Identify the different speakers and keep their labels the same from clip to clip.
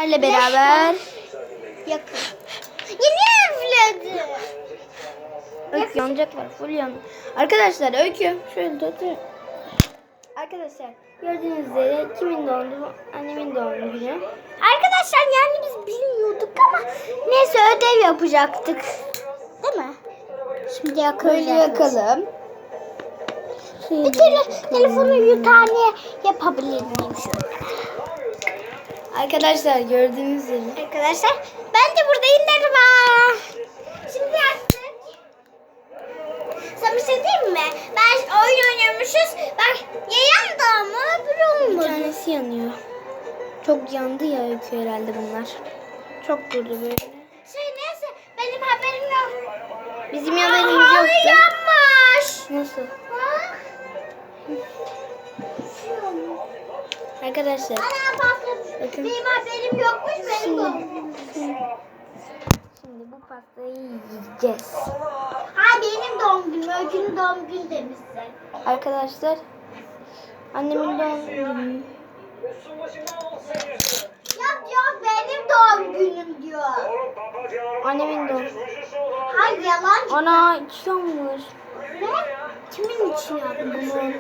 Speaker 1: sizlerle beraber
Speaker 2: yakın. Yeni evledi.
Speaker 1: Öykü yanacak var. Full yandı. Arkadaşlar Öykü şöyle tutun. Arkadaşlar gördüğünüz üzere kimin doğum günü? Annemin doğum günü.
Speaker 2: Arkadaşlar yani biz bilmiyorduk ama neyse ödev yapacaktık. Değil mi? Şimdi
Speaker 1: Böyle
Speaker 2: yakacağız.
Speaker 1: yakalım.
Speaker 2: Bir kere telefonu yutane yapabilir miyim şöyle?
Speaker 1: Arkadaşlar gördüğünüz üzere.
Speaker 2: Arkadaşlar ben de buradayım merhaba. Şimdi yaktık. Sana bir şey diyeyim mi? Ben oyun oynuyormuşuz. Bak ya yandı ama öbürü
Speaker 1: Bir
Speaker 2: olmadı.
Speaker 1: tanesi yanıyor. Çok yandı ya Öykü herhalde bunlar. Çok durdu böyle.
Speaker 2: Neyse benim haberim yok.
Speaker 1: Bizim haberimiz
Speaker 2: Halı
Speaker 1: yoktu.
Speaker 2: yanmış.
Speaker 1: Nasıl?
Speaker 2: Ha?
Speaker 1: Arkadaşlar
Speaker 2: Ana patlamış.
Speaker 1: bakın.
Speaker 2: Benim haberim yokmuş benim doğum günüm.
Speaker 1: Şimdi bu pastayı yiyeceğiz.
Speaker 2: Ha benim doğum günüm. Öykünün doğum günü demişsin.
Speaker 1: Arkadaşlar annemin doğum günü.
Speaker 2: Yok benim doğum günüm diyor.
Speaker 1: Annemin doğum.
Speaker 2: Hayır yalan.
Speaker 1: Ana içiyormuş.
Speaker 2: Ne? Kimin için yaptın bunu?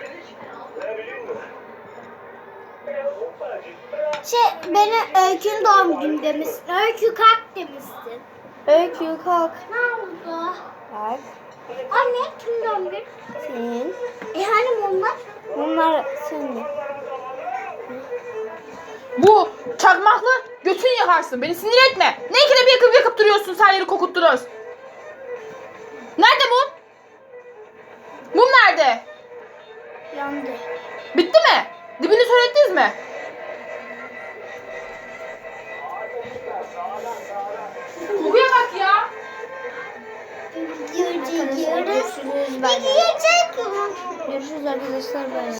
Speaker 2: Benim Öykü'nün doğum günü demişsin. Öykü kalk demişsin.
Speaker 1: Öykü kalk.
Speaker 2: Ne oldu?
Speaker 1: Kalk.
Speaker 2: Anne kim doğum günü?
Speaker 1: Senin.
Speaker 2: Hani bunlar?
Speaker 1: Bunlar senin.
Speaker 3: Bu çakmaklı götün yakarsın. Beni sinir etme. Ne ikide bir yakıp duruyorsun, sen yeri kokuttunuz. Nerede mum? Mum nerede?
Speaker 1: Yandı.
Speaker 3: Bitti mi? Dibini söylediniz mi? Kokuya bak ya.
Speaker 1: Arkadaşlar görüşürüz. Bye bye.
Speaker 2: Yiyecek.
Speaker 1: Görüşürüz arkadaşlar. Bye.